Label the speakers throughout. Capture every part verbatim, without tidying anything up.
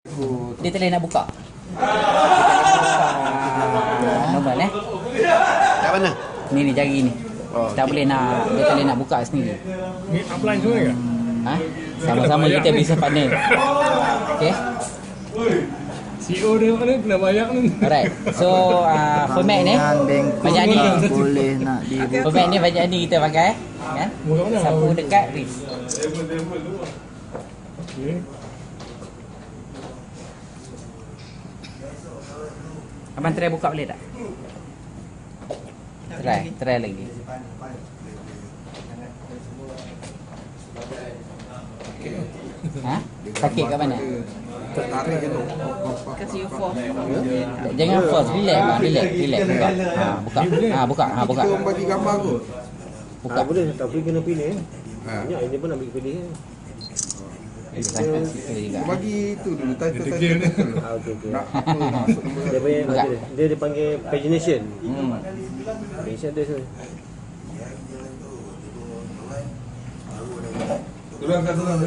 Speaker 1: Dia tak boleh nak buka. Normal eh.
Speaker 2: Kat mana?
Speaker 1: Ni ni jari ni.
Speaker 2: Oh,
Speaker 1: tak boleh nak, dia tak boleh nak buka sendiri.
Speaker 3: Ni upline semua ke?
Speaker 1: Ha? Sama-sama kita business partner. Okey.
Speaker 3: C E O dia mana kena bayar ni.
Speaker 1: Alright. So uh, format ni banyak ni
Speaker 4: boleh nak dibuka.
Speaker 1: format ni banyak ni kita pakai kan? Sapu dekat wrist.
Speaker 3: Okey.
Speaker 1: Abang try buka boleh tak? Try, try lagi. Ha? Sakit kat mana?
Speaker 2: Tertarik je tu.
Speaker 5: Kasi you force.
Speaker 1: Jangan force, relax bang, relax, relax buka. Ha, buka. Ha, buka. Ha, buka.
Speaker 2: Kita orang bagi gambar tu.
Speaker 1: Buka.
Speaker 6: Ah, boleh, tapi kena pilih.
Speaker 2: Ha.
Speaker 6: Banyak ini pun nak bagi pilih.
Speaker 1: Kita juga.
Speaker 2: Bagi tu dulu title
Speaker 3: Dia
Speaker 2: title.
Speaker 3: degil
Speaker 6: Ah, okey okey.
Speaker 2: Nak apa nak masuk nombor.
Speaker 6: Dia punya
Speaker 1: Buka.
Speaker 6: dia, dia dipanggil pagination.
Speaker 1: Hmm.
Speaker 6: Pagination dia sini.
Speaker 2: Tolong kat tolong.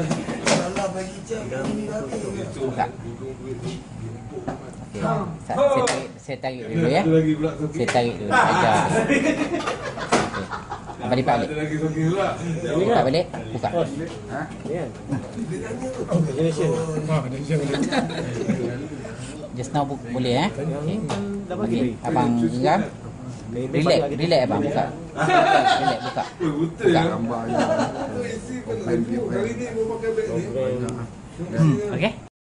Speaker 1: Buka. Okey. Saya, saya tarik, saya tarik dulu ya. Saya tarik dulu ajar. Okey. Abang lipat balik. Lipat balik. Buka.
Speaker 2: Ha?
Speaker 6: Ni kan. Pagination.
Speaker 3: Ah, dia siang dia.
Speaker 1: Just now bu- boleh eh. Okey.
Speaker 6: Dah bagi.
Speaker 1: Okey. Abang geram. Relax, relax abang buka. Relax buka. Buka.
Speaker 2: Gambar je. Profile dia.
Speaker 6: Okey.
Speaker 1: Okey.